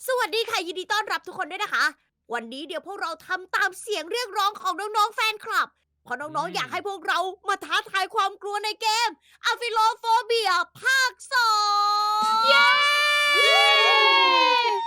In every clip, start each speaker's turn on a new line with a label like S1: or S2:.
S1: สวัสดีค่ะยินดีต้อนรับทุกคนด้วยนะคะวันนี้เดี๋ยวพวกเราทำตามเสียงเรียกร้องของน้องๆแฟนคลับเพราะน้องๆอยากให้พวกเรามาท้าทายความกลัวในเกม a p h i l o p h o b i a ภาค2เย้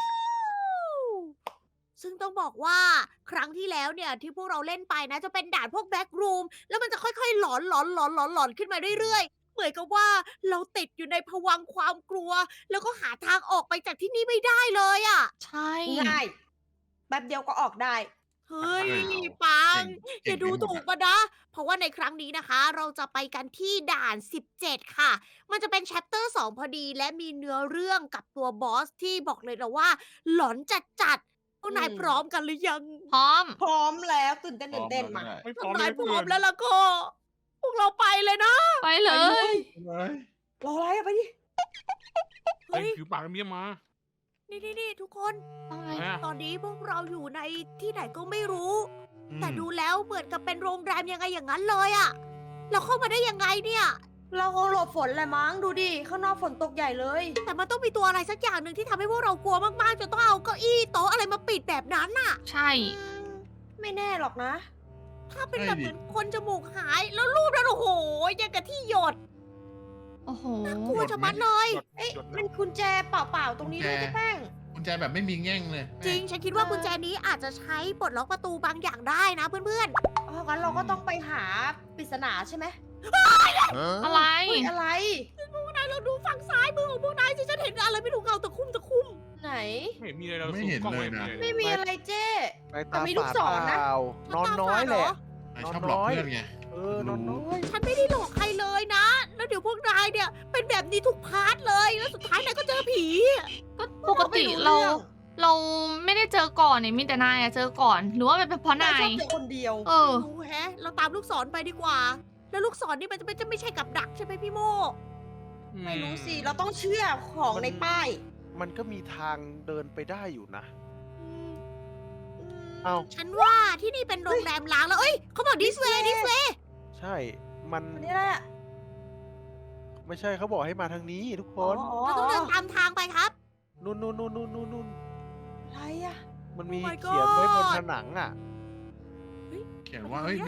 S1: ซึ่งต้องบอกว่าครั้งที่แล้วเนี่ยที่พวกเราเล่นไปนะจะเป็นด่านพวกแบ็กรูมแล้วมันจะค่อยๆหลอนขึ้นมาเรื่อยๆเหมือนกับว่าเราติดอยู่ในภวังค์ความกลัวแล้วก็หาทางออกไปจากที่นี่ไม่ได้เลยอะ
S2: ใช่
S3: ง่ายแป๊บเดียวก็ออกได้
S1: เฮ้ย
S4: เฮ้ย
S1: ปังอ
S4: เก่ง
S1: ย่าดู
S4: ไปหมด
S1: ถูก
S4: อะ
S1: มานะ เพราะว่าในครั้งนี้นะคะ เราจะไปกันที่ด่าน 17 ค่ะ มันจะเป็นแชปเตอร์ 2 พอดี และมีเนื้อเรื่องกับตัวบอสที่บอกเลยนะว่า หลอนจัดๆพวกนาย
S3: อืม
S1: พร้อมกันหรือยัง
S2: พร้อม
S3: พร้อมแล้วตื่นเต้นมา
S4: ไม่พร้
S1: ถ้า
S4: อม
S1: นาย
S4: เลย
S1: พร้อมแล้วล่ะก็ พวกเราไปเลยนะ
S2: ไปเลย
S4: เฮ้ย
S3: รออะไรอะไปดิ
S4: เฮ้ยผิวปากเมียมา
S1: นี่ทุกคน
S2: อะไร
S4: อะไรอะ
S1: ตอนนี้พวกเราอยู่ในที่ไหนก็ไม่รู้
S4: อืม
S1: แต่ดูแล้วเหมือนกับเป็นโรงแรมยังไงอย่างนั้นเลยอะเราเข้ามาได้ยังไงเนี่ย
S3: เราคงหลบฝนแหละมั้งดูดิ ข้างนอกฝนตกใหญ่เลย
S1: แต่มันต้องมีตัวอะไรสักอย่างหนึ่งที่ทำให้พวกเรากลัวมากๆจนต้องเอาเก้าอี้โต๊ะอะไรมาปิดแบบนั้นน่ะ
S2: ใช่
S3: อืมไม่แน่หรอกนะ
S1: ถ้าเป็นแบบเหมือนคนจมูกหายแล้วรูปนั้นโอ้โหยังกับที่หยด
S2: โอ้โห
S1: กลัวจะมัดเลย
S3: เอ๊ะมันกุญแจเปล่าๆตรงนี้ด้วยเจ๊แป้ง
S4: กุญแจแบบไม่มีแง่งเลย
S1: จริง ฉันคิดว่ากุญแจนี้อาจจะใช้ปลดล็อกประตูบางอย่างได้นะเพื่อน
S3: อ๋องั้นเราก็ต้องไปหาปริศนาใช่ไหม
S2: อะไร
S3: เฮ้ยอะไร
S1: ๆพวกนายเราดูฝั่งซ้ายมือของพวกนายสิฉันเห็นอะไรไม่รู้เงาตะคุ่ม
S3: ไหน
S4: ไม่เห็นมีอะไรเรา
S5: ไม่เห็นเลยนะ
S3: ไม่มีอะไรเจ๊
S6: ไป
S3: แต่
S6: ตา
S3: มีลูก
S6: ฝาด
S3: ศรนะ
S6: เปล่า
S1: ๆ
S6: นอนน้อยแหละ
S4: นายชอบหลอกเพื่อนไง
S6: นอนน้อย
S1: ฉันไม่ได้หลอกใครเลยนะ แล้วเดี๋ยวพวกนายเนี่ยเป็นแบบนี้ทุกพาร์ทเลยแล้วสุดท้ายนายก็เจอผี
S2: ก็ปกติเราไม่ได้เจอก่อนเนี่ยมีแต่นายอะเจอก่อน หรือว่าเป็นเพราะ
S3: นาน
S2: าย ย
S3: ชอบเจอคนเดียว
S2: เออ
S1: ไม่รู้แฮะ เราตามลูกศรไปดีกว่า แล้วลูกศรนี่มันจะไม่ใช่กับดักใช่ไหมพี่โม
S3: ไม่รู้สิ เราต้องเชื่อของในป้าย
S6: มันก็มีทางเดินไปได้อยู่นะ
S1: อืม
S6: เอ้า
S1: ฉันว่าที่นี่เป็นโรงแรมล้างแล้ว เอ้ยเขาบอก this way this way
S6: ใช่ มัน
S3: อันนี้อะไรอะ
S6: ไม่ใช่เขาบอกให้มาทางนี้ทุกคน
S1: เราต้องเดินตามทางไปครับ
S6: นู่น
S3: อะไรอะ
S6: มันมี
S1: Oh my
S6: เขียนไว้บน
S1: God
S6: ผนังอ่ะ
S4: เขียนว่าเฮ้ย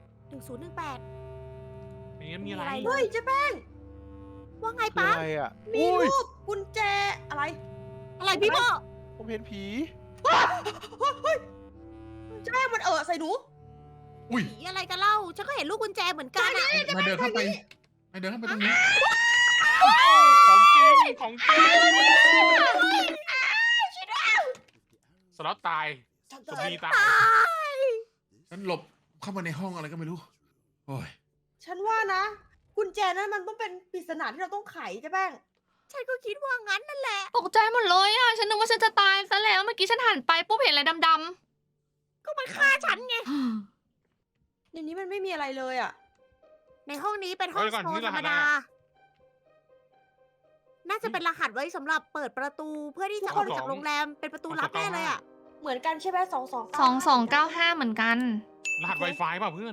S1: 1018
S4: มีมีอะไร
S3: เฮ้ยเจ๊แป้ง
S1: ว่าไง
S6: คือ
S1: ปะ
S6: อะไรอ่ะ
S3: มี
S6: อุ้ย
S3: รูปกุญแจอะไร
S1: อะไรพี่โม
S6: ผมเห็นผี
S3: เจ๊แป้งมันใส่หนู
S4: อุ้ย
S1: ผีอะไรกันเล่า ฉันก็เห็นลูกกุญแจเหมือนกันอะ
S4: นายเดินเข้าไปนายเดินเข้าไปตรงนี้
S7: ของจริงของจริงสล็อตตายสมีตาย
S1: ตาย
S4: ฉันหลบเข้ามาในห้องอะไรก็ไม่รู้ โอ้ย
S3: ฉันว่านะ กุญแจนั้นมันต้องเป็นปริศนาที่เราต้องไขเจ๊แป้ง
S1: ฉันก็คิดว่างั้นนั่นแหละ
S2: ตกใจหมดเลยอ่ะ ฉันนึกว่าฉันจะตายซะแล้ว เมื่อกี้ฉันหันไปปุ๊บเห็นอะไรดำ
S1: ก็มันฆ่าฉันไง
S2: ๆ
S3: ในนี้มันไม่มีอะไรเลยอ่ะ
S1: ในห้องนี้เป็นห้อง
S7: เดี๋ยวก่อน
S1: โซ
S7: ที่
S1: นธรรม
S7: รหัส
S1: ดา
S7: อะ
S1: น่าจะเป็นรหัสไว้สำหรับเปิดประตูเพื่อที่จะออกจากโรงแรมเป็นประตูลับแน่เลยอ่ะ
S3: เหมือนกันใช่ไหม2295
S2: 2295 เหมือนกัน
S7: รหัส Wi-Fi เปล่าเพื่อน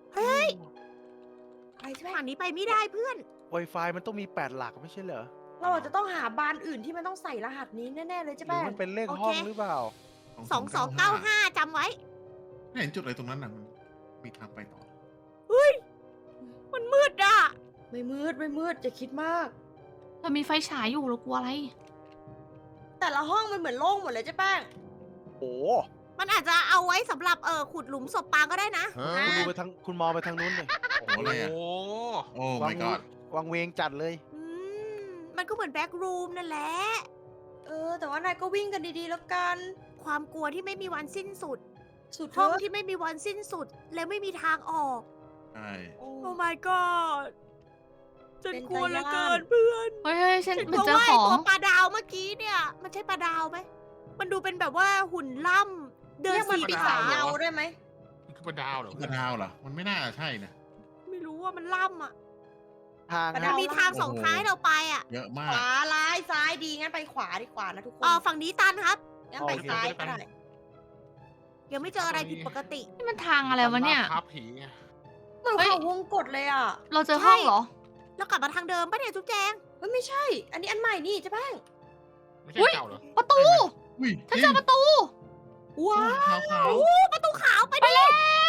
S3: อะไรใช่ไหม
S1: ทางนี้ไปไม่ได้เพื่อน
S6: Wi-Fi มันต้องมี8หลักไม่ใช่เหรอ
S3: เราอาจจะต้องหาบานอื่นที่มันต้องใส่รหัสนี้แน่ๆเลยเจ๊
S6: หรือ
S3: แป้ง
S6: มันเป็นเลข
S1: โอเค
S6: ห้องหรือเปล่า
S1: 2295จำไว้
S4: ไม่เห็นจุดอะไรตรงนั้นนะมันมีทางไปต่อ
S1: มันมืดอ่ะ
S3: ไม่มืดจะคิดมาก
S2: เรามีไฟฉายอยู่เรากลัวอะไร
S3: แต่ละห้องมันเหมือนโล่งหมดเลยเจ๊แป้ง
S6: โอ้
S1: มันอาจจะเอาไว้สำหรับขุดหลุมศพปางก็ได้นะ
S6: คุณดูไปทางคุณมองไปทางนู้นเลย
S4: โอ้โหอะไรอ่ะ
S7: โอ้
S4: โอ้ my god
S6: วางเวงจัดเลย
S1: อืม มันก็เหมือนแบ็กรูมนั่นแหละ
S3: แต่ว่านายก็วิ่งกันดีๆแล้วกัน
S1: ความกลัวที่ไม่มีวันสิ้นสุด
S3: สุด
S1: ห้อง
S3: เถอะ
S1: ที่ไม่มีวันสิ้นสุด และไม่มีทางออก
S4: ใช่
S3: โอ้
S1: โอ้ my god ฉัน
S3: เป็น
S1: กลัวเหลือ
S3: ใจ
S1: เกิ
S3: ร้าย
S1: นเพื่อน
S2: เฮ้ยฉัน
S1: ฉัน
S2: เหมื
S1: ก
S2: อน
S1: ลัว
S2: เจอ
S1: ว่า
S2: ข
S1: ไอ้
S2: อง
S1: ตัวปลาดาวเมื่อกี้เนี่ย มันใช่ปลาดาวไหม มันดูเป็นแบบว่าหุ่นล่ำเดิน
S3: เรียกมัน
S1: สี่
S3: ปี
S1: ขา
S3: ศาจเงาได้ไหม
S7: นี่คือปลาดาวเหรอ
S4: กระดาวเหรอ มันไม่น่าใช่นะ
S1: ไม่รู้ว่ามันล่ำอ่ะ
S6: ทาง
S3: กระ
S1: มัน
S3: ดาว
S1: มีทางสองท้ายเราไปอ่ะ
S4: เยอะมา
S3: ข
S4: ก
S3: วาซ้ายดีงั้นไปขวาดีกว่านะทุกคน
S1: ฝั่งนี้ตันครับ
S3: งั้นไปซ้ายก็ได้
S1: ยังไม่เจออะไรผิดปกติ
S2: นี่มันทางอะไรวะเนี่ย
S7: ภาพผีไง
S3: เหมือน
S2: เฮ้ย
S3: เขาวงกดเลยอ่ะ
S2: เราเจอห้องเหรอ
S1: แล้วกลับมาทางเดิมปะเนี่ยจุ๊บแจง
S3: เฮ้ยไม่ใช่ อันนี้อันใหม่นี่เจ๊แป้ง
S7: ไม่ใช่
S2: อุ๊ย
S7: เก่าเหรอ
S2: ประตู
S4: อุ้ย
S2: ฉันเจอประตู
S3: ว้าว
S4: ขาวขาว
S1: โอ้ประตูขาวไปดิ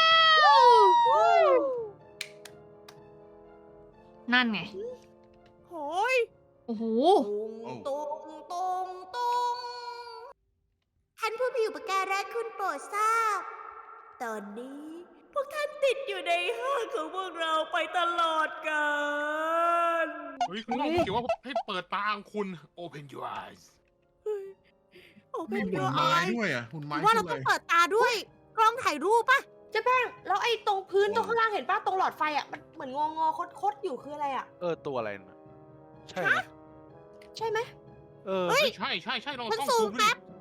S2: นั่นไง
S1: โอ้ย
S2: โอ้โห
S1: ตุงตุงตุงท่านผู้มีอุปการะคุณโปรดทราบ ตอนนี้พวกท่านติดอยู่ในห้างของพวกเราไปตลอดกาล
S7: เฮ้ยข้างนอกมันเขียนว่าให้เปิดตาของคุณ Open your eyes
S1: โอ้
S4: ๆ
S1: เป็
S4: มี
S1: น
S4: หุ่
S1: เย
S4: น
S1: อะ
S4: ไม้
S1: อาย
S4: ด้วยอ่ะหุ่นไม้
S1: ว่าเรา
S4: ขึ้น
S1: ต้
S4: เล
S1: อง
S4: ย
S1: เปิดตาด้วย กล้องถ่ายรูปป่ะ
S3: เจ๊แป้งแล้วไอ้ตรงพื้นตรงข้างล่างเห็นป่ะตรงหลอดไฟอ่ะมันเหมือนงอคดอยู่คืออะไรอ่ะ
S6: ตัวอะไรนะใช่ไหม
S3: ใช่ไหม
S1: เฮ้ย
S7: ใช่ลอง
S1: มัน
S7: ต้อง
S1: สู
S7: ซู
S1: ง
S7: ม
S1: แป๊
S7: ดิ
S1: บ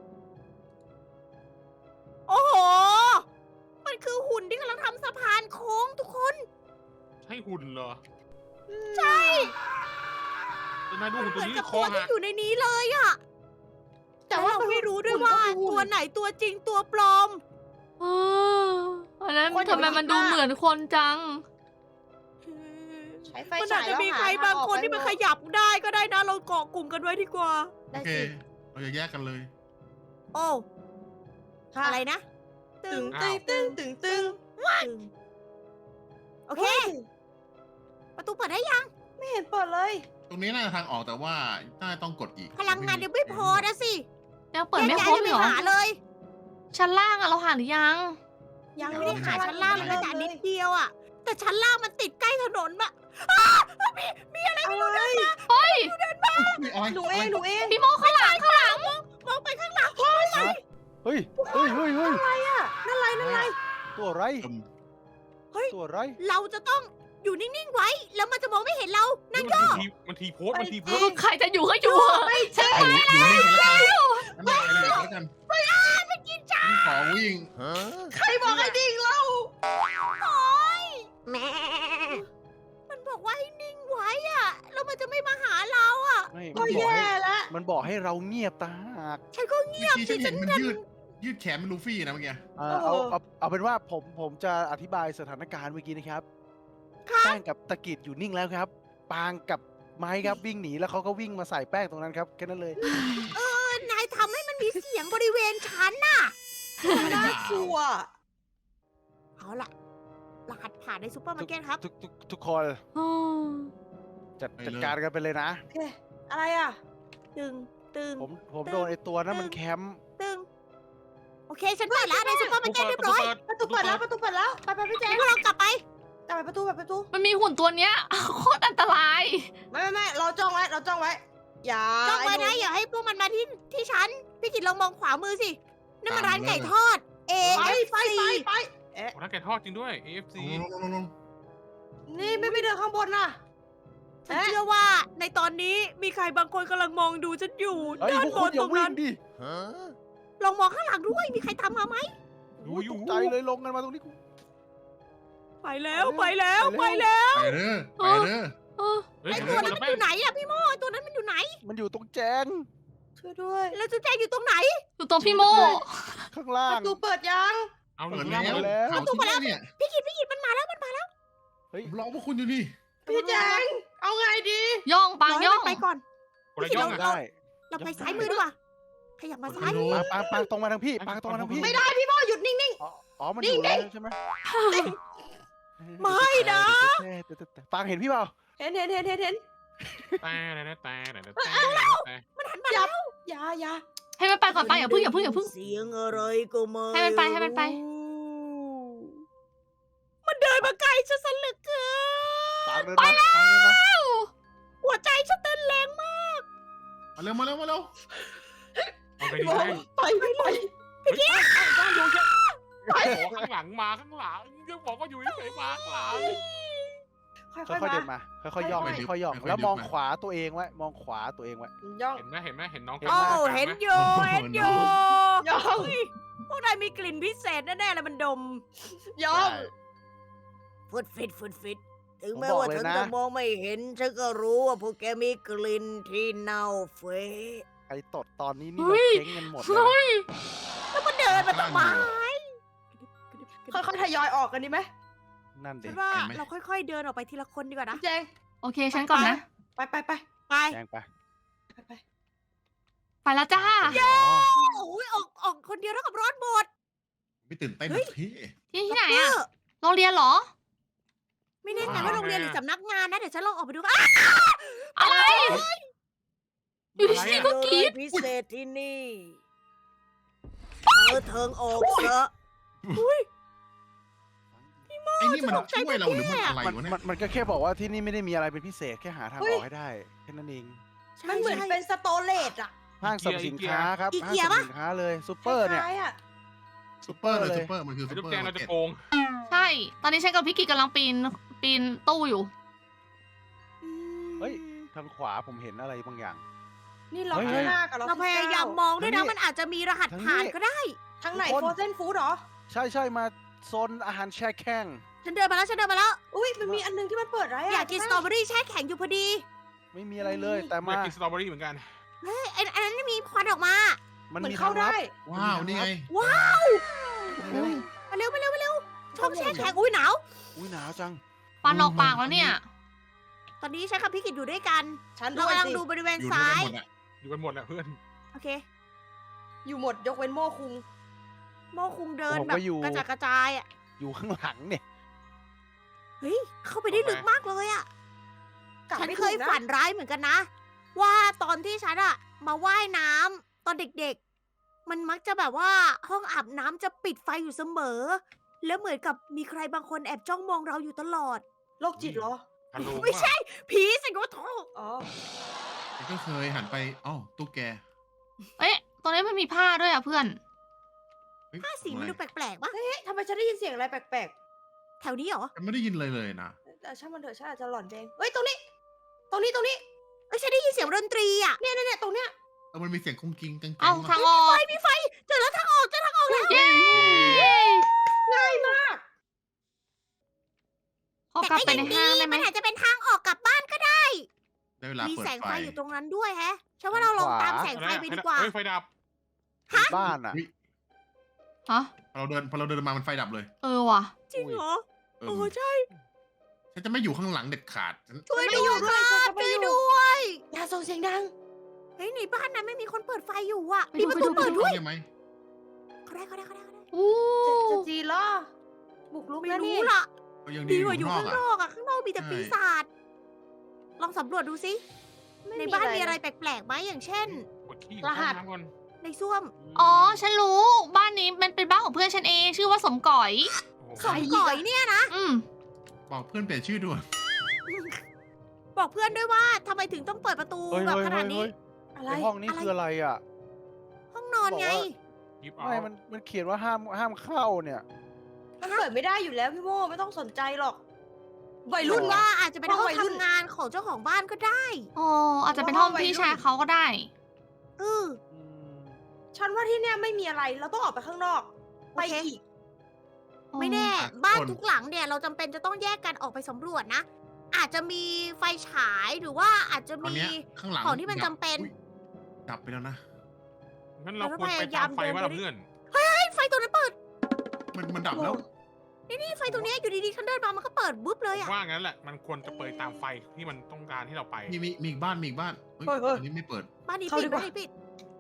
S1: โอ้โห มันคือหุ่นที่กำลังทำสะพานโค้งทุกคน
S7: ใช่หุ่นเหรอ
S1: ใช่
S7: แต่นายดูหุ่น
S1: เห
S7: ตัว
S1: มือน
S7: นี้
S1: กับ
S7: ค
S1: ตั
S7: อ
S1: ว
S7: หั
S1: ที่
S7: ก
S1: อยู่ในนี้เลยอะ
S3: แต่
S1: แต่
S3: ว่า
S1: ว่าเราไม่รู้ด้วย
S3: หุ่น
S1: ว่า
S3: ก็คือหุ่น
S1: ตัวไหนตัวจริงตัวปลอม
S2: เอออันนั้น
S3: คนอย่า
S2: ทำไม
S3: ไป
S2: มัน
S3: คิด
S2: ดู
S3: มาก
S2: เหมือนคนจัง
S3: ใช้ไฟ
S1: มัน
S3: ฉา
S1: อาจ
S3: ย
S1: จะ
S3: แล้ว
S1: มี
S3: หา
S1: ใครบางคน
S3: ท
S1: ที่มัน
S3: ออก
S1: ข
S3: ไป
S1: ยับได้ก็ได้นะ เราเกาะกลุ่มกันไว้ดีกว่า
S4: โอ
S3: ได้
S4: เค
S3: สิ
S4: เราจะแยกกันเลย
S1: โอ้
S3: ค่ะ
S1: อะไรนะ
S3: ตึงตึงตึงตึง
S1: โอเค ประตูเปิดได้ยัง
S3: ไม่เห็นเปิดเลย
S4: ตรงนี้น่าจะทางออกแต่ว่าน่าจะต้องกดอีก
S1: พลังงานยังไม่พอนะสิ
S2: ยังเปิดไม่ครบ
S1: แยกย้าย
S2: เหรอ
S1: กันไปหาเลย
S2: ชั้นล่างอะเราหาหรือยัง
S3: ยัง
S1: ไม่ได้หาชั้นล่างเลย
S3: ไม่
S1: แต่
S3: ได้
S1: นิดเดียวอะแต่ชั้นล่างมันติดใกล้ถนนมะอ้ามีอะไรไม่รู้
S3: อะไร
S2: เฮ้ย
S4: อุ๊ยอะไร
S3: หนูเองหนูเอง
S2: พี่โมข้างหลังข้างหลัง
S1: มองไปข้างหลัง
S6: เฮ้ย
S3: อะไรอ่ะนั่นอะไร
S6: ตัวอะไร
S4: อืม
S6: ตัวอะไร
S1: เราจะต้องอยู่นิ่งๆไว้ แล้วมันจะมองไม่เห็นเรา นั่น
S7: มันทีโพสมันทีโพส
S2: ใครจะอยู่ก็อยู่เถอะฉัน
S4: เอาอยู่นี่กันแล้วกันนั่นแหละแล้วกันไม่กินจ้าขอวิ่ง
S3: ใครบอกไอ้ดิ่งเรา
S1: โอ๊ยแม่มันบอกว่าให้นิ่งไว้อะแล้วมันจะไม่มาหาเราอะ
S6: ไม่
S3: ก็แย่แล้ว
S6: มันบอกให้เราเงียบตาหาก
S1: ฉันก็เงียบ
S4: เมื่อกี้
S1: สิ
S4: ฉัน
S1: ฉั
S4: เห็
S1: น
S4: นมันยืดแขนเป็นลูฟี่นะเมื่อกี้
S6: เอาเป็นว่าผมจะอธิบายสถานการณ์เมื่อกี้นะครับ
S1: ครับ
S6: แป้งกับตะกิดอยู่นิ่งแล้วครับ ปางกับไม้ครับวิ่งหนีแล้วเขาก็วิ่งมาใส่แป้งตรงนั้นครับแค่นั้นเลย
S1: นายทำให้มันมีเสียงบริเวณฉันน่ะ
S3: น่ากลัว
S1: เอาล่ะ รหัสผ่านในซูเปอร์มาร์เก็ตครับ
S6: ทุกคน
S2: อืม
S6: จัดการกันไปเลยนะ
S3: โอเค อะไรอ่ะ
S1: ตึง ตึง
S6: ผมโดนไอตัวนั้นมันแคมป์
S1: ตึง โอเค ฉันเปิดแล้วในซูเปอร์มาร์เก็ตเรียบร้อย
S3: ประตูเปิดแล้ว ไปพี่แจ๊ค
S1: พวกเรากลับไป
S3: กลับไปประตู
S2: มันมีหุ่นตัวเนี้ย โคตรอันตราย
S3: ไม่เราจ้องไว้อย่า
S1: จ้องไว้นะ
S3: อ้ห
S1: อย่าให้พวกมันมาที่ฉัน พี่กิตลองมองขวามือสิ นั่นมันร้านไก่ทอด
S3: ไป
S1: AFC
S7: โอ้นักแกะทอดจริงด้วย AFC
S4: ลง
S3: นี่ไม่เดินข้างบนน่ะ
S1: ฉันเชื่อว่าในตอนนี้มีใครบางคนกำลังมองดูฉันอยู่
S6: เฮ้ย
S1: ด้าน
S6: พวก
S1: บ
S6: คุณอย่า
S1: นตรง
S6: วิ่
S1: นั้
S6: ง
S1: น
S6: ดิ
S1: ลองมองข้างหลังด้วย มีใครตามมาไหม
S7: ดูอยู่
S6: ตกใจเลยลงกันมาตรงนี้กู
S1: ไปแล้วไปแล้วไปแล้ว
S4: ไปเด้อไปเด้อ
S2: เออ
S7: เฮ้ย
S1: ไอ
S7: เดี๋
S1: ตั
S7: ยว ว
S1: นั้น
S7: นะ
S1: มัน
S7: แป้
S1: อง ยู่ไหนอะพี่โมไอตัวนั้นมันอยู่ไหน
S6: มันอยู่ตรงแจง
S3: ช่วยด้วย
S1: แล้วจุ๊แจงอยู่ตรงไหน
S2: อยู่ตรงพี่โม
S6: ข้างล่า
S3: ป
S6: ง
S3: ระตูเปิดยัง
S7: เอา
S4: เปิด
S7: ดู
S4: แล้
S7: แล้ว
S4: ว
S6: แล้ว
S4: ข่าวที่แรกเนี่ย
S1: พี่กิตมันมาแล้วมันมาแล้ว
S4: ผมรอพวกคุณอยู่นี่
S3: พี่แจงเอาไงดี
S2: ย่องปาง
S1: รให้
S2: ย่อ
S1: มั
S2: ง
S1: นไปก่อน
S7: คนละย่องอะ
S6: ได้
S1: เราไปซ้ายมือดีกว่าขยับมาซ้าย
S4: โอ้โห
S6: ปางตรงมาทางพี่ปางตรงมาทางพี่
S3: ไม่ได้พี่โมหยุดนิ่ง
S6: อ๋อมันอยู่แล้วใช่ไหม
S1: ไม่นะ
S6: ปางเห็นพี่เปล่า
S3: ๆ เห็น
S7: แต่
S1: มันหันมาแล้ว
S3: อย่า
S2: ให้มันไปก่อนไปอย่าเพึ่ง
S1: เสียงอะไรก็ไม่
S2: ให้มันไป
S1: มันเดินมาไกลฉันสลึกเกิน
S6: ปางเดินมาปางเดินมา
S1: หัวใจฉันเต้นแรงมาก
S4: มาเร็ว
S7: เอาไป
S3: พี่
S7: ดี
S3: โม
S7: แป้ง
S3: ไป
S7: ข้างหลังมาข้างหลังยังบอกว่าอยู่เฉยๆมาข้างหลัง
S3: ค่
S6: ค่
S3: อย
S6: อยๆ
S3: ๆ
S6: เดิ
S3: มาน
S6: มาค่อยๆย่องค่อยๆย่องแล้วมองขวาตัวเองไว้มองขวาตัวเองไว้
S3: ย่อง
S7: เห็นไหมเห็นน้อง
S1: โอ้เห็นอยู่เห็นอยู่
S3: ย่อง
S1: เฮ้ยพวกนายมีกลิ่นพิเศษแน่ๆเลยมันดม
S3: ย่อง
S1: ฟุดฟิตถึงแม้ว่าฉันจะมองไม่เห็น ฉันก็รู้ว่าพวกแกมีกลิ่นที่เน่าเฟะ
S6: ใครตดตอนนี้นี่เราเจ๊งกันหมดเลย
S2: เฮ้ย
S1: แล้วมันเดินมาทำไม
S3: ค่อยๆทยอยออกกันดีไหม
S6: นั่นเด็
S1: ฉั
S6: ก
S1: นว่าเราค่อยๆเดินออกไปทีละคนดีกว่านะ
S3: พี่แจง
S2: โอเคฉันก่อนนะ
S3: ไป
S1: ไป
S6: แจ้งไป
S2: ไปแล้วจ้า
S3: โอ้ย
S1: คนเดียวเท่ากับรอดหมด
S4: ไม่ตื่นเต้น
S1: เฮ้ย
S4: พี่
S2: ที่ไหนอะโรงเรียนเหรอ
S1: ไม่แน่ใจว่าโรงเรียนหรือสำนักงานนะ เดี๋ยวฉันลองออกไปดูอ่ะ
S2: อะไร อยู่
S7: อะไร
S2: ดี
S7: อะ
S2: ๆก็กรีด
S1: พิเศษที่นี่เทิงออกเถอะ
S4: ไอ้นี่มัน
S1: ตกใจ
S4: ช่วยเราหรือมันอะไร
S6: มัน
S4: วะเนี่ย
S6: มันก็แค่บอกว่าที่นี่ไม่ได้มีอะไรเป็นพิเศษแค่หาทางออกให้ได้แค่นั้นเอง
S3: มันเหมือนเป็นสโตเลตอะ
S6: ห้างสรรพสินค้าครับ
S1: อี
S6: ห้าง
S1: เกีย
S6: สรรพ
S1: ปะ
S6: สินค้าเลยซูเปอร์เนี่ย
S3: คล้ายๆอะ
S4: ซุปเปอร์เลย
S6: เลย
S4: ซุปเปอร์มันคือ
S7: ไอ้
S4: ซุป
S7: ลูก
S4: เปอ
S7: แกง
S4: ร์
S7: เราจะ
S4: เก็ต
S7: โกง
S2: ใช่ ตอนนี้ฉันกับพี่กิจกำลังปีนตู้อยู่
S6: เฮ้ย ทางขวาผมเห็นอะไรบางอย่าง
S3: นี่ล็อก
S6: เฮ้ย
S3: ข้างหน้ากับล็อก
S1: เราพยายามมองด้วยนะ มันอาจจะมีรหัส
S6: ทางนี้
S1: ผ่านก็ได้
S3: ทางไหน
S6: ทุกคน
S3: โฟรเซนฟู้ดเหรอ
S6: ใช่ใช่มาโซนอาหารแช่แข็ง
S1: ฉันเดินมาแล้ว
S3: อุ้ยมันมีอันนึงที่มันเปิดไรอะ
S1: อยากกินสตรอเบอรี่แช่แข็งอยู่พอดี
S6: ไม่มีอะไรเลย แต่
S7: อยาม
S6: าก
S7: กินสตรอเบอรี่เหมือนกัน
S1: เฮ้ยอันนั้นมีควันออกมา
S6: มัน
S3: เหมือน
S6: มี
S3: เข้า
S6: ทางลั
S3: ได้
S6: บ
S4: ว้าว นี่ไง
S1: ว้าว
S6: เร็ว
S1: มาเร็วช่องแช่แข็งอุ้ยหนาว
S6: อุ้ยหนาวจัง
S2: ฟันออกปากแล้วเนี่ย
S1: ตอนนี้ฉันกับพี่กิจอยู่ด้วยกัน
S3: ฉัน
S1: เรา
S3: ด้วย
S1: กำลัง
S3: สิ
S1: ดูบริเวณ
S4: อยู่
S1: ซ้าย
S4: ด้วยกันหมดอะ
S7: อยู่กันหมดแหละเพื่อน
S1: โอเค
S3: อยู่หมดยกเว้นโม่คุง
S1: โมคุงเดิน
S6: ผม
S1: แบบ
S6: ก็อยู่
S1: กระจายกระจายอ่ะ
S6: อยู่ข้างหลังเนี่ย
S1: เฮ้ย เข้าไปได้ลึกมากเลยอ่ะ
S3: กลับ
S1: ฉัน
S3: ไม่
S1: เค
S3: ถู
S1: ย
S3: กนะ
S1: ฝันร้ายเหมือนกันนะ ว่าตอนที่ฉันอะมาว่ายน้ำตอนเด็กๆ มันมักจะแบบว่าห้องอาบน้ำจะปิดไฟอยู่เสมอ แล้วเหมือนกับมีใครบางคนแอบจ้องมองเราอยู่ตลอด
S3: โรคจิตเหรอ
S7: ฮัลโหล
S1: ไม่ใช่ ผีสิงโต
S3: อ๋อ
S4: ฉันก็เคยหันไปอ้าวตุ๊กแก
S2: เอ๊ะ ตรงนี้มันมีผ้าด้วยอ่ะเพื่อน
S4: เฮ้ย
S1: ผ้าสีมันดูแปลกๆปะ
S3: เฮ้ยทำไมฉันได้ยินเสียงอะไรแปลก
S1: แถวนี้เหรอ
S4: ฉันไม่ได้ยินเลยนะ
S3: ๆแต่ช่างมันเถอะฉันอาจจะหลอนเองเฮ้ยตรงนี้ ตรงนี้
S1: เอ้ยฉันได้ยินเสียงดนตรีอ่ะ
S3: เนี่ยตรงเนี้ย
S4: มันมีเสียงกุ้งกิ้งกัง
S2: เอาทางออก
S1: มีไฟเจอแล้วทางออกแล้ว
S2: เย้
S3: ง่ายมาก
S2: ขอกลับไปในห้างได้ไหม
S1: มันอาจจะเป็นทางออกกลับบ้านก็ได้
S4: ได้เวลา
S1: มี
S4: เปิด
S1: แสง
S4: ไฟ
S1: ไฟอยู่ตรงนั้นด้วยแฮะฉันว่าเราลองตามแสงไฟไปดีกว่า
S7: เฮ้ยไฟดับ
S6: บ้านอ่ะ
S2: ฮะ
S4: พอเราเดินมามันไฟดับเลย
S2: เออว่ะ
S1: จริงเหรอ
S4: เออ
S1: โอ้ใช่
S4: ฉันจะไม่อยู่ข้างหลังเด็ดขาดฉัน
S1: ช่วย
S3: ไม่
S1: ด้
S3: อยู่
S1: วย
S3: ด้วย
S1: ครับ
S3: ฉันจะไม่
S1: ช่วย
S3: อยู่
S1: ด้วย
S3: อย่าส่งเสียงดัง
S1: เฮ้ยในบ้านนั้นไม่มีคนเปิดไฟอยู่อ่ะ
S2: ไป
S1: มี
S2: ดู
S1: ประตู
S2: ไปดู
S1: เปิดด้วย
S4: ใช่ไหม
S1: เขาได้
S2: อู้
S3: จะจีเหรอบุกลุก
S1: ไม่
S3: แล้ว
S1: รู้
S3: นี่
S1: ล่ะ
S4: ก็ยัง
S1: ดี
S4: ดี
S1: กว่าอยู่
S4: ข้างนอก
S1: ข้างน
S4: อะ
S1: อกอ่ะ ข้างนอกมีแต่
S4: ใช่
S1: ปีศาจ ลองสำรวจดูสิ ในบ้านมีอะไรแปลกๆไหมอย่างเช่น
S7: กดขี้
S3: รหัส
S7: น้ำก่อน
S1: ในส้วม
S2: อ๋อ ฉันรู้ บ้านนี้มันเป็นบ้านของเพื่อนฉันเอง ชื่อว่าสมก๋อย
S7: โอ้โห
S1: สมก่อยเนี่ยนะ
S2: อืม
S4: บอกเพื่อนเปลี่ยนชื่อด้วย
S1: บอกเพื่อนด้วยว่าทำไมถึงต้องเปิดประตู
S6: เฮ้ย
S1: แบบ
S6: เฮ้ย
S1: ขนาดนี้
S6: เฮ้ย
S3: อะไร
S6: ในห้องนี้คืออะไรอ่ะ
S1: ห้องนอนไง
S6: บอกว่า
S7: หยิบเอา
S6: ไม่มันเขียนว่าห้ามเข้าเนี่ย
S3: มันเปิดไม่ได้อยู่แล้วพี่โมไม่ต้องสนใจหรอกวัย
S1: รุ่
S3: รุ่
S1: น
S3: น
S1: ว่า
S3: ว่า
S1: อาจจะเป็น
S3: ห้
S1: ห้
S3: อ
S1: อง ง
S3: วัยรุ่น
S1: ทำงานของเจ้าของบ้านก็ได้
S2: อ๋อ อาจจะเป็นห้องพี่ชายเขาก็ได้
S1: เออ
S3: ฉันว่าที่เนี่ยไม่มีอะไร เราต้องออกไปข้างนอก ไป
S1: โอเค
S3: อีก
S1: ไม่แน่
S4: อ่ะ
S1: บ้าน
S4: คน
S1: ทุกหลังเนี่ยเราจำเป็นจะต้องแยกกันออกไปสำรวจนะ อาจจะมีไฟฉายหรือว่าอาจจะ
S4: ตอน
S1: มี
S4: เนี้ยข้างหลัง
S1: ของที่มัน
S4: ดับ
S1: จำเป็น
S4: อุ๊ยดับไปแล้วนะ
S7: งั้นเราควรไปตามไฟว่าล่ะเพื่อน
S1: เฮ้ยไฟตัวนั้นเปิด
S4: มันดับแล้ว
S1: นี่ไฟตัวเนี้ยอยู่ดีๆฉันเดินมามันก็เปิดบุ๊บเลย
S7: ผม
S1: อะ
S7: ว่างั้นแหละ มันควรจะเปิดตามไฟที่มันต้องการที่เราไป
S4: มีอีกบ้านเฮ้ย
S3: เฮ้ย
S4: อันนี้ไม่เปิด
S1: บ้านนี้
S3: เข้า
S1: ปิ
S3: ดี
S1: ด
S3: กว่า
S1: บ้านนี้ปิด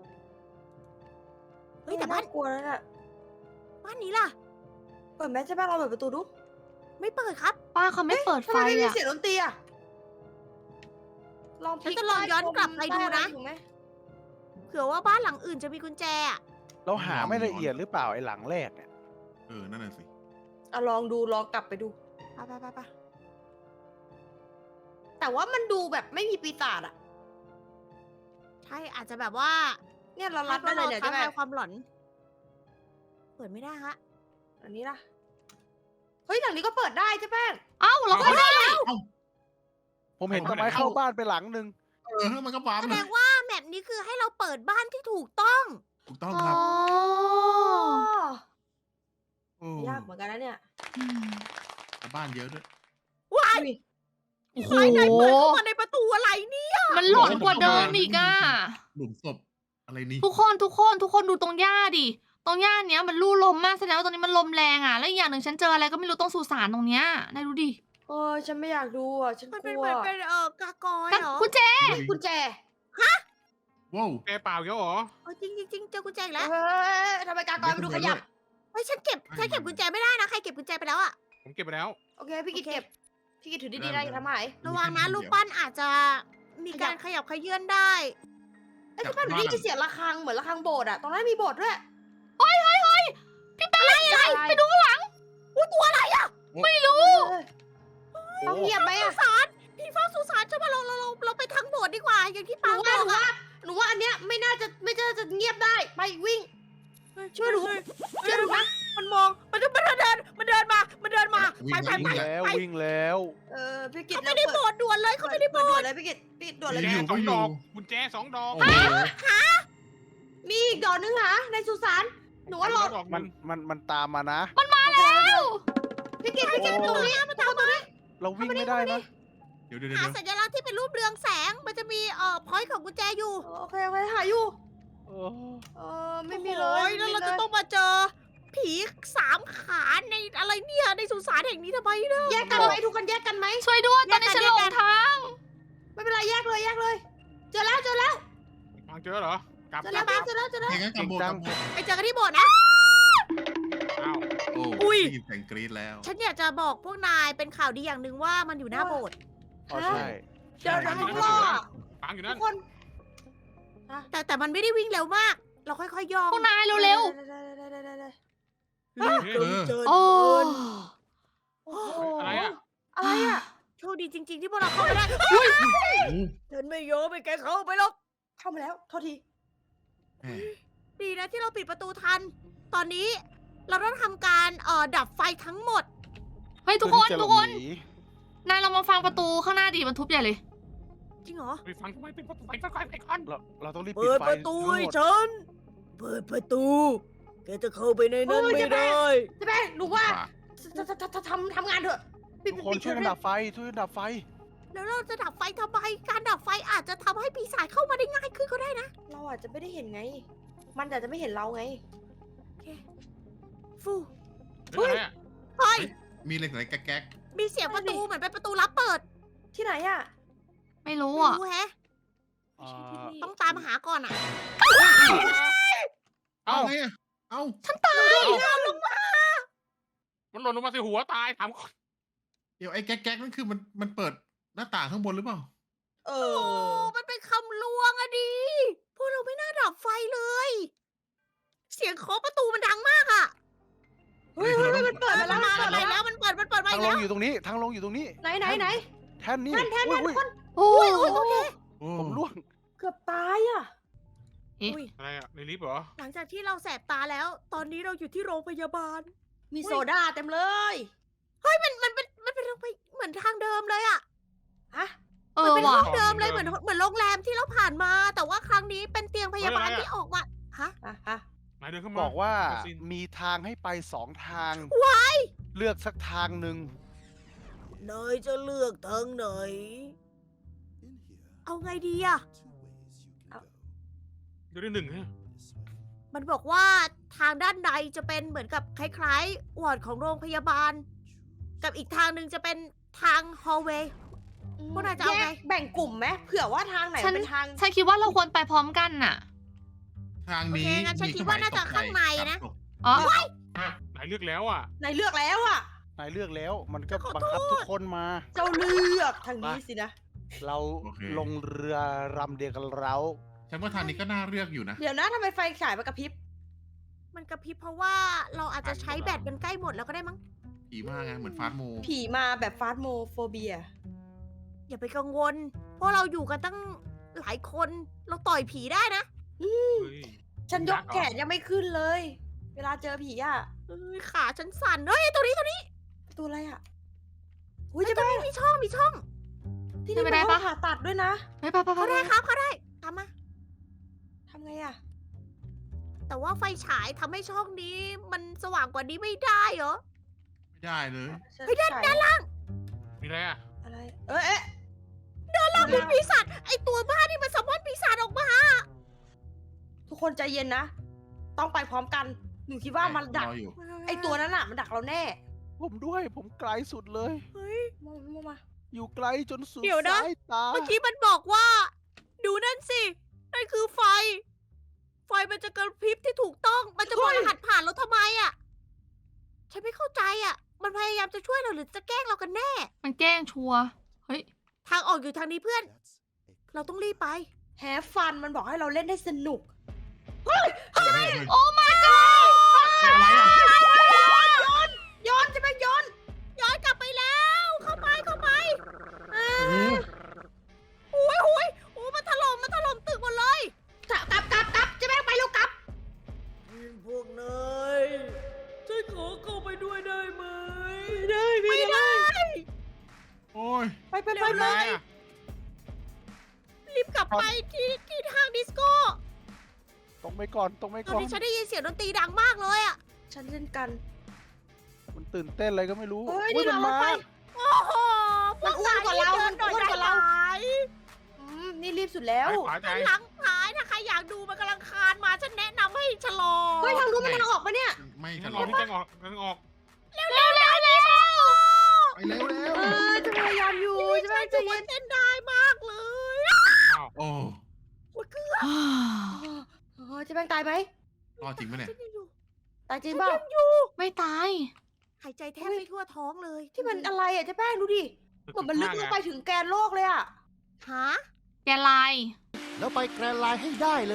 S1: เฮ้ยแต่บ้าน
S3: กลัวแล้วน่ะ
S1: บ้านนี้ล่ะ
S3: เปิดแมสใช่ป่ะเราเปิดประตูดู
S1: ไม่เปิดครับ
S2: ป้าเขาไม่เปิด
S3: ทำ
S2: ไฟ
S3: ไมไม่มี
S2: อ่ะ
S3: เสียงดนตรีอะลองพ
S1: ฉั
S3: ลิ
S1: น
S3: ก
S1: จะลองย้อนกลับไปดูนะ
S3: ถูกไหม
S1: เผื่อว่าบ้านหลังอื่นจะมีกุญแจอะ
S6: เราหาไม่ละเอียดหรือเปล่าไอ้หลังแรกเนี่ย
S4: นั่นน่ะสิ
S3: อะลองดูลองกลับไปดู
S1: ไป
S3: แต่ว่ามันดูแบบไม่มีปีศาจอะ
S1: ใช่อาจจะแบบว่า
S3: เนี่ยเรารับได้เลยเนี่ย
S1: ท้า
S3: ใช่ไหม
S1: ทายความหลอน เปิดไม่ได้ฮะ
S3: อันนี้ล่ะเฮ้ยหลังนี้ก็เปิดได้ใช่แป้ง
S2: เอ้าเราเข้าได้
S6: ผมเห็นต้นไม้เข้าบ้านไปหลังหนึ่ง
S4: มันก็วาร์ป
S1: แส
S4: เล
S1: ด
S4: ย
S1: งว่าแมปนี้คือให้เราเปิดบ้านที่ถูกต้อง
S4: ถูกต้อง
S2: อ๋
S4: ครับ
S2: อ
S4: โอ้
S3: ยากเหมือนกันนะเนี่ย
S2: อืม
S4: บ้านเยอะด้วย
S1: ว้าย
S3: อุ้ย
S2: โอ้โห
S1: ภายในเปิดเข้ามาในประตูอะไรเนี่ย
S2: มันหลอนกว่าเดิมอีกอ่ะ
S4: หลุมศพอะไรนี่
S2: ทุกคนดูตรงหญ้าดิ ตรงหญ้าเนี้ยมันลู่ลมมากแสดงว่าตรงนี้มันลมแรงอ่ะ แล้วอีกอย่างหนึ่งฉันเจออะไรก็ไม่รู้ตรงสุสานตรงเนี้ยนายดูดิ
S3: เออฉันไม่อยากดูอ่ะฉัน
S1: มัน
S3: ก
S1: เป็น
S3: ลั
S1: เห
S3: ว
S1: มือนเป็นกากอยเหรอ
S2: กุญแจ
S3: กุญแจ
S4: ว้าว
S7: แกเปล่าเยอะเหรอ
S1: จริงจริงเจอกุญแจอีกแล้ว
S3: ทำไมกากอยมาดูขยับ
S1: เฮ้ยฉันเก็บกุญแจไม่ได้นะใครเก็บกุญแจไปแล้วอะ
S7: ผมเก็บไปแล้ว
S3: โอเคพี่กิตเก็บ พี่กิตถือดีๆนะอย่าทำหาย
S1: ระวังนะลูกปั้นอาจจะมีการขยับขยื่นได้
S3: ไอ้ยพี่ป้าหนูได้ยินเสียงระฆังเหมือนระฆังโบสถ์อะตรงนั้นมีโบสถ์ด้วย
S2: พี่แป้งไปดูข้างหลัง
S1: ตัวอะไรอะ
S2: ไม่รู้
S3: ต้องเงียบไหม
S1: สุ
S3: อะ
S1: สานพี่ฟ้าสุสานจะมาเราไปทั้งโบสถ์ดีกว่า อย่างที่
S3: หนู
S1: ปางบ
S3: ว่า
S1: อกอะ
S3: หนูว่าอันเนี้ยไม่น่าจะเงียบได้ไปวิ่ง ช่วยหนูช่วยหนูนะ
S1: มันมองมันเดินมาไป
S6: แล้ววิ่งแล้ว
S3: พี่กิต
S1: เขาไม่ได้โบสถ์ด่วนเลยเขาไม่ได้โบ
S3: ด่ว
S1: ส
S3: น
S1: ถ์
S3: เลยพี่กิตด่วนเลย
S7: กุญแจ
S4: อยู่
S7: สอง
S4: ก็อยู่
S7: ดอกกุญแจสองดอก
S4: โอ้โห
S3: มีอีกดอกนึงหาในสุสานหนูว่ารอ
S7: ดอก
S6: มันตามมานะ
S3: พี่กิตตรงนี้มาตามมา
S6: เราวิ่งไม่ได้นะ
S4: เดี๋ยว
S1: หาสัญลักษณ์ที่เป็นรูปเรืองแสงมันจะมีพอยต์ของกุญแจอยู่
S3: โอเคหาอยู่
S6: เออ
S3: ไม่มีเลย
S1: แล้วเราจะต้องมาเจอผี3 ขาในอะไรเนี่ยในสุสานแห่งนี้ทำไมนะ
S3: แยกกันไหมทุกคนแยกกันไหม
S2: ช่วยด้วยตอนนี้ฉันหลงทาง
S3: ไม่เป็นไรแยกเลย เจอแล้ว
S7: ฟังเจอเหรอกลับ
S3: เจอแล้วเจอแล้ว
S4: เฮ้ยงั้นกำโบด
S1: ไปเจอกันที่โบสถ์นะ
S7: อ้าว
S4: โอ้
S1: อุ้ย
S4: ได้ยินเสียงกรี๊ดแล้ว
S1: ฉันอยากจะบอกพวกนายเป็นข่าวดีอย่างหนึ่งว่ามันอยู่หน้าโบสถ์
S6: อ๋อใช่
S3: เจอทั้งรอบ
S7: ฟังอยู่
S3: ทุ
S7: นั่น
S3: กคน
S1: แต่มันไม่ได้วิ่งเร็วมาก เราค่อยๆย่อง
S2: พวกนายเร็ว
S1: เจอ
S2: ๆ โอ้
S7: อะไรอ่ะ
S3: อะไรอะ
S1: โชคดีจริง ๆ ที่พวกเราเข้าไปได้ฉันไม่ยอมให้แกเข้าไปหรอก
S3: เข้ามาแล้วโทษที
S4: แหม
S1: ดีนะที่เราปิดประตูทัน ตอนนี้เราต้องทำการดับไฟทั้งหมด
S2: เฮ้ยทุกคน
S6: เพื่อที่จะ
S2: ทุกคน
S6: หลบห
S2: นายเรามาฟังประตูข้างหน้าดิมันทุบใหญ่เลย
S1: จริงเหรอ
S7: ไปฟังทำไมเป็นประตูไฟก่อนไปก่อน
S6: เราต้องรีบปิ
S1: เปิ
S6: ด
S1: ด
S6: ไฟ
S1: ประตู
S6: ทั้ง
S1: ให้
S6: หมด
S1: ฉัน เปิดประตู แกจะเข้าไปในนั้นไม่ได้
S3: ใช่ไหมหนูว่าทำงานเถอะ
S6: ทุกคนช่วยกันดับไฟไฟ
S1: แล้วเราจะดับไฟทำไม การดับไฟอาจจะทำให้ปีศาจเข้ามาได้ง่ายขึ้นก็ได้นะ
S3: เราอาจจะไม่ได้เห็นไง มันอาจจะไม่เห็นเราไง
S1: ฟู
S7: เฮ้ยอะไรอ่ะ
S1: เฮ้ย
S4: มีเหล็กไหลแก๊ก
S1: มีเสียงประตูเหมือนเป็นประตูลับเปิด
S3: ที่ไหนอะ
S2: ไม่รู้
S1: ไม่
S2: อ่ะ
S1: รู้แฮะ
S6: อ่า
S1: ต้องตามหาก่อนอ่ะ
S4: ๆ
S7: เอ้า
S4: ไงอะเอ้า
S7: มันหล่นลงมาใส่หัวตายถามก่อน
S4: เดี๋ยวไอ้แก๊กนั่นคือมันเปิดหน้าต่างข้างบนหรือเปล่า
S3: เอ
S1: โอ้
S3: อ
S1: มันเป็นคำลวงอะดิ พวกเราไม่น่าดับไฟเลย เสียงเคาะประตูมันดังมากอะ
S3: เฮ้ยมันเปิดมาแล้ว
S1: มา
S3: เปิด
S1: ไหน
S3: มา
S1: แล้
S3: แล้ว
S1: วมันเปิดมา
S6: ทาง
S1: อีก
S6: ล
S1: แล้
S6: ง
S1: ว
S6: อยู่ตรงนี้ทางลงอยู่ตรงนี้
S3: ไหน
S6: แท่นนี่
S3: แท่น
S6: อุ้ย
S3: ทุกคน
S2: โอ้
S1: โอเค
S4: โอ้
S6: ผมล่วง
S3: เกือบตายอะ
S1: อุ้ย
S7: อะไรอ่ะในลิฟต์เหรอ
S1: หลังจากที่เราแสบตาแล้ว ตอนนี้เราอยู่ที่โรงพยาบาล
S3: มีโซดาเต็มเลย
S1: มันเป็นโรงพยาเหมือนทางเดิมเลยอะ
S3: ฮะ
S2: เอ
S1: มัน
S2: อ
S1: เป็น
S2: ว่ะ
S1: ห้องเดิมเลยเหมือนโรงแรมที่เราผ่านมา แต่ว่าครั้งนี้เป็นเตียงพยาบาล
S7: เฮ้ยอะไรอะ
S1: ที่ออกมา ฮะ
S3: ฮะ
S7: นายเดินขึ้นมา
S6: บอกว่า
S7: คาสิน
S6: มีทางให้ไป2 ทาง เลือกสักทางหนึ่ง
S1: นายจะเลือกทางไหน เอาไงดีอะ
S7: เดี๋ยวได้หนึ่งฮะ
S1: มันบอกว่าทางด้านในจะเป็นเหมือนกับคล้ายๆวอร์ดของโรงพยาบาล กับอีกทางหนึ่งจะเป็นทางฮอลเวย์ พวกนายจะเอาไง
S3: แยกแบ่งกลุ่มไหมเผื่อว่าทางไหนมันเป็นทาง
S2: ฉันคิดว่าเราควรไปพร้อมกันน่ะ
S4: ทางนี้
S1: โอเคงั้นฉันคิดว่าน่าจะข้างในนะ
S2: อ๋อ
S7: นายเลือกแล้วอ่ะ
S3: นายเลือกแล้วอะ
S6: นายเลือกแล้วมันก็
S1: ขอโทษ
S6: บังคับทุกคนมา
S3: เจ้าเลือกทางนี้สินะ
S6: เราลงเรือลำเดียวกันเรา
S4: ฉันว่าทางนี้ก็น่าเลือกอยู่นะ
S3: เดี๋ยวนะทำไมไฟฉายมันกระพริบ
S1: มันกระพริบเพราะว่าเราอาจจะใช้แบตกันใกล้หมดแล้วก็ได้มั้ง
S4: ผีมากไงเหมือนฟาสต์โม
S3: ผีมาแบบฟาสโมโฟเบีย
S1: อย่าไปกังวล เพราะเราอยู่กันตั้งหลายคน เราต่อยผีได้นะ
S7: เฮ้ย
S3: ฉันยกแขนยังไม่ขึ้นเลย เวลาเจอผีอะ
S1: เอ้ยขาฉันสั่น เฮ้ยตัวนี้
S3: ประตูอะไรอะอุ้ยจะ
S1: ตัว
S3: ไป
S1: นี้มีช่อง
S3: ที่
S2: จะ
S3: นี่
S2: ไป
S3: เป็น
S2: ได้
S3: ห้อ
S2: ปะ
S3: งผ่าตัดด้วยนะ
S2: ไปไปไป
S1: เขาได้ครับเขาได้ตามมา
S3: ทำไงอะ
S1: แต่ว่าไฟฉายทำให้ช่องนี้มันสว่างกว่านี้ไม่ได้เหรอ
S4: ไม่ได้เลย
S3: เฮ้ยด้านล่าง
S7: มีอะไรอ่ะ
S3: อะไร เอ๊ะ
S1: เราเป็นปีศาจไอตัวบ้านี่มันสมอนปีศาจออกมา
S3: ทุกคนใจเย็นนะ ต้องไปพร้อมกัน หนูคิดว่ามันดัก
S4: รออยู่
S3: ไอตัวนั้นอะมันดักเราแน่
S6: ผมด้วยผมไกลสุดเลย
S1: เฮ้ย
S3: มา
S6: อยู่ไกลจนสุด
S1: เดี๋ยวนะ
S6: สายตา
S1: เมื่อกี้มันบอกว่า ดูนั่นสินั่นคือไฟ ไฟมันจะกระพริบที่ถูกต้อง มันจะบอกรหัสผ่านเราทำไมอ่ะ ฉันไม่เข้าใจอ่ะ มันพยายามจะช่วยเราหรือจะแกล้งเรากันแน่
S2: มันแกล้งชัวร์เฮ้ย
S1: ทางออกอยู่ทางนี้เพื่อน เราต้องรีบไป
S3: แฮฟฟันมันบอกให้เราเล่นได้สนุก
S2: โอ้ my god
S7: อะไรอ่ะ
S3: ย้อนจะไปย้อน
S1: ย้อนกลับไปแล้ว เข้าไปเข้าไป
S6: โอ้โห
S1: โอ้ยโอ้ยมันถล่มตึกหมดเลย
S3: กลับจะแม่งไปแล้วกลับ
S1: พวกนายฉันขอเข้าไปด้วยได้ไหม ได้ไม่ได้
S7: โอ้ย
S3: ไป
S1: เร็ว
S3: เล
S1: เลย ย รีบกลับไปที่ห้างดิสโก้
S6: ตรงไปก่อนตรงไป
S1: ต
S6: ก่
S1: อ
S6: อน น
S1: นี้ฉันได้ยินเสียงดนตรีดังมากเลยอ่ะ
S3: ฉันเล่นกัน
S6: มันตื่นเต้นอะไรก็ไม่รู้
S3: เฮ้ย
S6: อุ๊ย
S3: นี่
S6: มัน
S3: เรา
S6: มา
S3: ไป
S1: โอ้โห
S3: มันอ้วนกว่าเรา
S1: พวกนย
S3: มันอ้วนกว่าเรา
S1: ดิได้ไหม
S3: นี่รีบสุดแล้ว
S7: ขวาใจ
S1: หลังหายถ้าใครอยากดูมันกำลังคานมาฉันแนะนำให้ชะลอ
S3: เฮ้ยทางนู้นมันทางออกปะเนี่ย
S4: ไม่
S7: ฉั
S4: ฉั
S7: น
S4: น
S7: ร
S4: ร
S7: อ
S4: อ
S7: พี่แจงออกแจงออก
S1: เร็วๆ
S4: ไปเร็วเร็ว
S3: จะพยายามอยู่
S1: จะ
S3: จะ
S1: ไม่
S3: แม่ง
S1: จะ
S3: จะ
S1: เย็
S3: เย็
S1: น
S3: น
S1: เต้นได้มากเลย
S7: อ้าว
S4: โอ้
S1: โอ้ยเกือบ
S3: จะแม่งตายไหม
S4: รอดจริงไหมเนี่ย
S1: ฉันยังอยู่
S3: ตายจริง
S1: ฉัน
S3: เปล่า
S1: ยังอยู่
S2: ไม่ตาย
S1: หายใจแทบไม่ทั่วท้องเลย
S3: ที่มันอะไรอ่ะเจ๊แป้งดูดิเหมือนมันลึกลงไปถึงแกนโลกเลยอ่ะ
S1: ฮะ
S2: แกลาย
S5: แล้วไปแกรนด์ไลน์ให้ได้เลย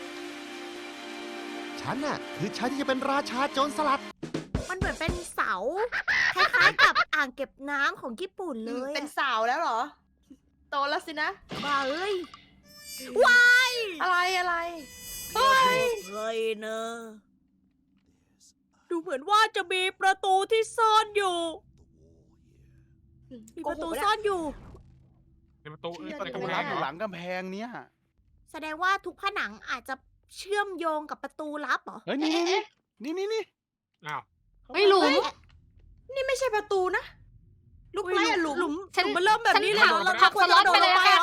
S5: ฉันน่ะ คือชายที่จะเป็นราชาโจรสลัด
S1: มันเหมือนเป็นเสาคล้ายๆกับอ่างเก็บน้ำของญี่ปุ่นเลย
S3: เป็นสาวแล้วเหรอ โตแล้วสินะ
S1: บ้าเอ้ยว้าย
S3: อะไร
S1: เฮ้ยเนอะดูเหมือนว่าจะมีประตูที่ซ่อนอยู่ มีประตูซ่อนอยู่
S7: ในประตู
S6: ประ
S7: ใน
S6: ตู
S7: กำแพ
S6: ร้าน
S7: ง
S6: อ
S7: เหร
S6: ยู่
S7: อ
S6: หลังกำแพงเนี้ย
S1: แสดงว่าทุกผนังอาจจะเชื่อมโยงกับประตูลับเหรอ
S6: เฮ้ยนี่
S7: อ้าว
S2: ไม่หลุม
S3: นี่ไม่ใช่ประตูนะ ลูกไม้อะหลุม
S2: ฉัน
S1: มันเริ่มแบบ
S2: ฉัน
S1: นี้เลย
S2: ผัก
S1: เหรอเรา
S2: ผัก
S1: คว
S2: ส
S1: ร
S2: ล็อต
S1: จะโด
S2: ไป
S1: ด
S2: เล
S1: ล
S2: ย
S1: ง
S2: ละ
S1: ไป
S2: กัน
S1: เหรอ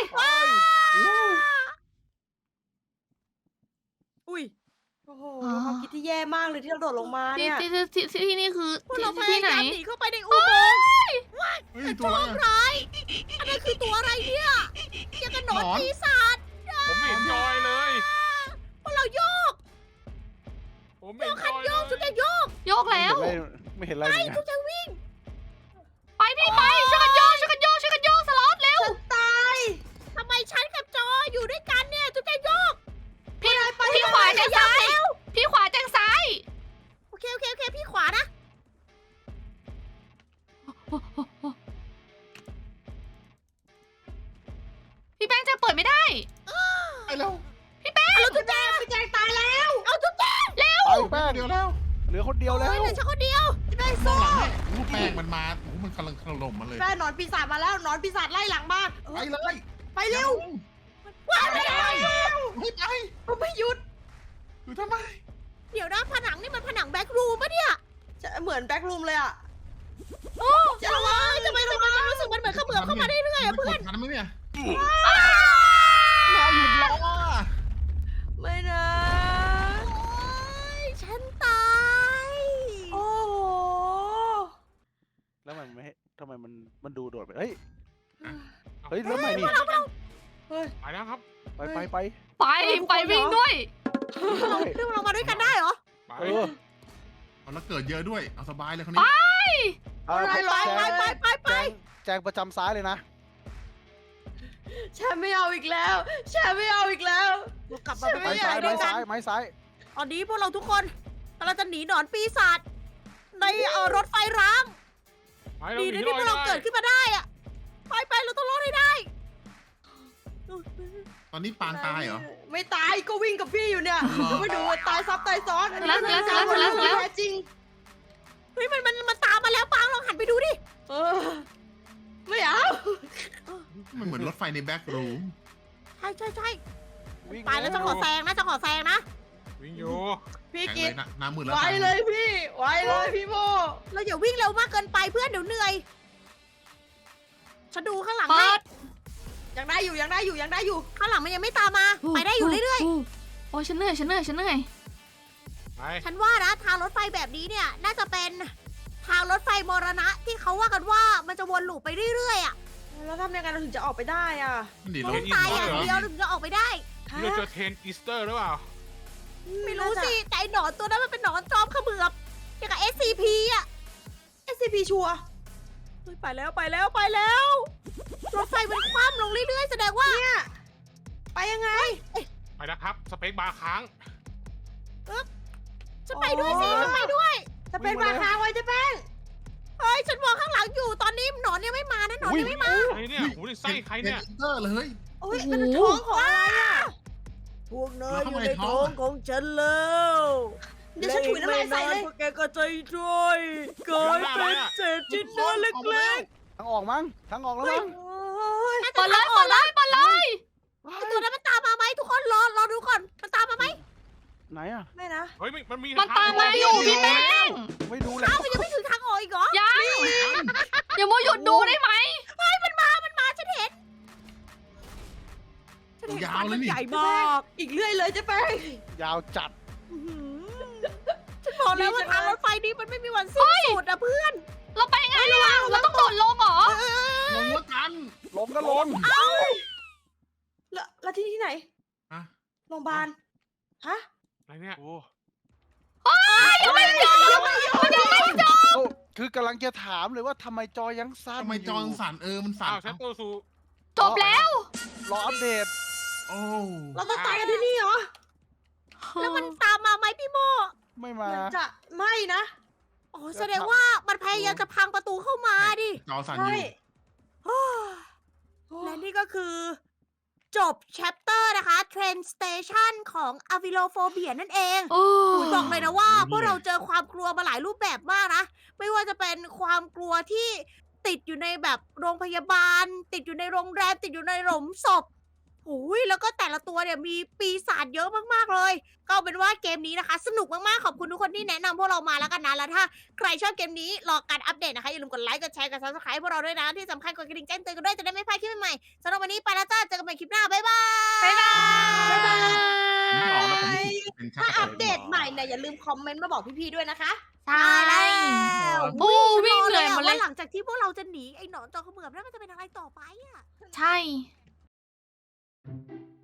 S1: อุ้ย
S3: โอ้โหความคิดที่แย่มากเลยที่เราโดดลงมา
S2: ที่
S3: เนี่ย
S2: ที่นี่คือ
S1: พวกเราพ
S2: ที่
S1: ยา
S2: ไหน
S1: ยามหนีเข้าไปในอุโมงค์
S4: เฮ้ยตัวอะไรอะ
S1: ร้ายอันนั้นคือตัวอะไรเนี่ยยังกระหนอน
S4: หนอน
S1: ปีศาจ
S7: ผมไม่เห็นจอยเลย
S1: พวกเราโยก
S7: ผมไม่เห็นจ
S1: คัน
S7: อย
S1: โย
S7: เล
S1: กจุด
S7: ย
S1: จะโยก
S2: โยกแล้ว
S6: ไม่เห็นอะไรเหมือนกัน
S1: จุดจะวิ่ง
S2: ไปพี่ไปช่วยกันโยกช่วยกันโยกช่วยกันโยกสล็อตเร็ว
S3: ตาย
S1: ทำไมฉันกับจออยู่ด้วยกันเนี่ยจุดจะโยก
S2: พี่ขวาแจงซ้าย พี่ขวาแจงซ้าย
S1: โอเคพี่ขวานะ
S2: พี่แป้งจะเปิดไม่ได้
S4: ไปแล้ว
S1: เอาจุดแจง
S3: พี่แจงตายแล้ว
S1: เอาจุดแจง
S6: ไปแป้ง
S4: เดียวแล้ว
S6: เหลือคนเดียวแล้ว
S1: เหลือฉันคนเดียว
S3: พี่แป้ง
S4: ม
S3: สู้
S4: องหลังให้ลูกแป้งมันมาโอ้โหมันกำลังถล่มมาเลย
S3: แป้งหนอนปีศาจมาแล้วหนอนปีศาจไล่หลังมา
S4: ไปเลย
S3: ไปเร็ว
S1: ว้าวไปแล้ว
S4: ไม่ไป
S3: มันไม่หยุด
S4: อยู่ทำไม
S1: เดี๋ยวนะผนังนี่มันผนังแบ็กรูมปะเนี่ย
S3: จะเหมือนแบ็กรูมเลยอ่ะ
S1: โอ้จะระวังทำไมมันรู้สึกมันเหมือนเขมือบเข้ามาได้เรื่อยๆอะเพื่อน
S4: ทันไหมเนี่ยเราหยุดรอ
S3: ไม่นะ
S1: ฉันตาย
S3: โอ้โห
S6: แล้วมันไม่ทำไมมันดูโดดไปเฮ้ย
S7: เอา
S6: เฮ้ยแล้วทำไมนี่
S7: ไปแล้วครับ
S6: ไป
S2: ไปวิ่งด้วย
S1: เรื่องเรามาด้วยกันได้เหรอ
S7: ไป
S6: เออ
S4: เอาแล้วเกิดเยอะด้วย เอาสบายเลยคนนี้
S6: เอา
S3: ไป
S1: ไป
S6: แจงประจำซ้ายเลยนะ
S3: ฉันไม่เอาอีกแล้วฉันไม่เอาอีกแล้ว
S1: เรากลับมาเป็น
S6: ไม้
S1: เพื่อน
S6: ซ้าย
S1: ด้วยกัน
S6: ไม้ซ้าย
S1: ตอนนี้พวกเราทุกคนกำลังจะหนีหนอนปีศาจในรถไฟร้าง
S7: ไป
S1: ดี
S7: ห
S1: นะ
S7: นี
S1: ที่พวกเราเกิดขึ้นมาได้อะไปเราต้องรอดให้ได้
S4: ตอนนี้ปางตายเหรอ
S3: ไม่ตายก็วิ่งกับพี่อยู่เนี่ย
S4: เหรอ
S3: ไม่ดูตายซับตายซ้อน
S2: แล้ว
S3: แท้จริง
S1: เฮ้ยมันตามมาแล้วปังลองหันไปดูดิ
S3: เออไม่เอา
S4: มันเหมือนรถไฟในแบ็กรูม
S1: ใช่
S6: วิ่ง
S1: ไปแล้วจะขอแซงนะนะ
S7: วิ่งอยู่
S3: พี่
S4: แข็ง
S3: กิ
S4: เล
S3: ต
S4: ยนะน้ำมือแล้ว
S3: ไวเลยพี่ไวเลยพี่โม
S1: เราอย่าวิ่งเร็วมากเกินไปเพื่อนเดี๋ยวเหนื่อยฉันดูข้างหลัง
S2: เปิ
S1: ให้
S2: ด
S3: ยังได้อยู่ยังได้อยู่ยังได้อยู่
S1: ข้างหลังมันยังไม่ตามมา ไปได้อยู่เรื่อย
S2: โอ้ยฉันเหนื่อย
S7: ไป
S1: ๆ ฉันว่านะทางรถไฟแบบนี้เนี่ย น่าจะเป็นทางรถไฟมรณะที่เขาว่ากันว่ามันจะวนลูปไปเรื่อยๆอ่ะ
S3: แล้วทำยังไงเราถึงจะออกไปได้อ่ะ
S4: มันดี
S1: เรา
S4: เรา
S1: ต้องตายอย่างเดียวถึงจะออกไปได้
S7: นี่เราเจอเทรนอีสเตอร์หรือเปล่า
S1: ไม่รู้สิแต่ไอ้หนอนตัวนั้นมันเป็นหนอนจอมเขมือบอย่างกับ SCP อ่ะ
S3: SCP ชัวร์
S1: เฮ้ยไปแล้วไปแล้วไปแล้ว รถไฟมันคว่ำลงเรื่อยๆแสดงว่า
S3: เนี่ย ไปยังไง
S7: ไปนะครับ สเปคบาร์ค้าง
S1: ฉันไปด้วยสิฉันไปด้วย
S3: จะเป็นมาค้างไว้เจะแป้ง
S1: เฮ้ยฉันมองข้างหลังอยู่ตอนนี้หนอนยังไม่มานะหนอนยังไม่มา
S7: ใครเนี่ยหูในไส้ใครเนี่ย
S4: เตอร์เลย
S3: โอ้ยมันท้องของอะไรอ่ะ
S1: พวกนาย
S4: แล้ว
S1: อยู่
S4: ทำไม
S1: ใน
S4: ท้
S1: ท้
S4: อ
S1: อง งของฉันแล้ว
S3: เดี๋ยวฉันถุยน้ำลายใส่เลย
S1: พวกแกก็ใจช่วยกลายเป็นเศษชิ้นเนื้อเล็ก
S6: ทางออกมั้งทางออกแล้วมั้ง
S3: โอ้ย
S1: ๆน่า
S2: เปิ
S1: จะ
S2: ดเลย
S1: ทางอ
S2: เปิ
S1: อก
S2: ดเลยเปิดเลย
S1: ไอ้ตัวนั้นมันตามมาไหมทุกคนรอดูก่อนมันตามมาไหม
S6: ไหนอ่ะ
S3: ไม่นะ
S7: เฮ้ยมันมี
S2: มันตามมาอยู่พี่แป้ง
S6: ไม่ดูเลย
S1: อ้าวมันยังไม่ถึงทางออกอีกเหรอ
S2: ยังอย่ามัวหยุดดูได้ไหม
S1: มันมาฉันเห็นฟันมันใหญ่มาก
S3: อีกเรื่อยเลยเจะแป้ง
S6: ยาวจัด
S1: อื้อหือฉันบอกแล้วว่าทางรถไฟนี้มันไม่มีวันสิ้นสุดอะเพื่อน
S2: เราไปไงอะเราต้องโดดลงเหรอ
S4: ลงว่ากัน
S6: ลงก็ลง
S3: แล้วที่ไหน
S4: ฮะ
S3: โรงพยาบาล ฮะ
S7: อะไรเนี่ย
S6: โอ้
S2: ยังไม่จบมันยังไม่จบ
S6: โอ้คือกำลังจะถามเลยว่าทำไมจอยังสั้น
S4: ทำไมจอมันสั่นมันสั่น
S7: อ้าวชัตเตอร์ซู
S2: จบแล้ว
S6: รออัปเดต
S4: โอ้
S3: เราต้องตายกันที่นี่เหรอ
S1: แล้วมันตามมาไหมพี่โม
S6: ไม่มา
S3: มันจะไม่นะ
S1: อ๋อแสดงว่ามันพยายามจะพังประตูเข้ามาดิ
S4: จอสั่นอ
S3: ใช่
S4: ยู่
S1: และนี่ก็คือ จบ chapter นะคะ Train Station ของ Avilophobia นั่นเอง
S2: โอ้
S1: บอกเลยนะว่าพวกเราเจอความกลัวมาหลายรูปแบบมากนะ ไม่ว่าจะเป็นความกลัวที่ติดอยู่ในแบบโรงพยาบาล ติดอยู่ในโรงแรม ติดอยู่ในหลุมศพโอ้ยแล้วก็แต่ละตัวเนี่ยมีปีศาจเยอะมากๆเลย ก็เอาเป็นว่าเกมนี้นะคะ สนุกมากๆ ขอบคุณทุกคนที่แนะนำพวกเรามาแล้วกันนะ แล้วถ้าใครชอบเกมนี้รอการอัปเดตนะคะ อย่าลืมกดไลค์ กดแชร์ กด subscribe พวกเราด้วยนะ ที่สำคัญกดกระดิ่งแจ้งเตือนกันด้วยจะได้ไม่พลาดคลิปใหม่ๆสำหรับวันนี้ไปแล้วจ้า เจอกันใหม่คลิปหน้า บ๊ายบาย
S2: บ๊ายบาย
S4: ผมไม่ออกแล้วผมเป็นชา
S3: ถ้า
S4: ติ
S3: อัปเดตใหม่เนี่ยอย่าลืมคอมเมนต์มาบอกพี่ๆด้วยนะคะ
S2: ใช่
S1: แล้ว
S2: บูวิ่งเหนื่อยหมดเลย
S1: ว่าหลังจากที่พวกเราจะหนีไอ้หนอนจอเขมือบนั้นมันจะเป็นอะไรต่อไปอะ
S2: ใช่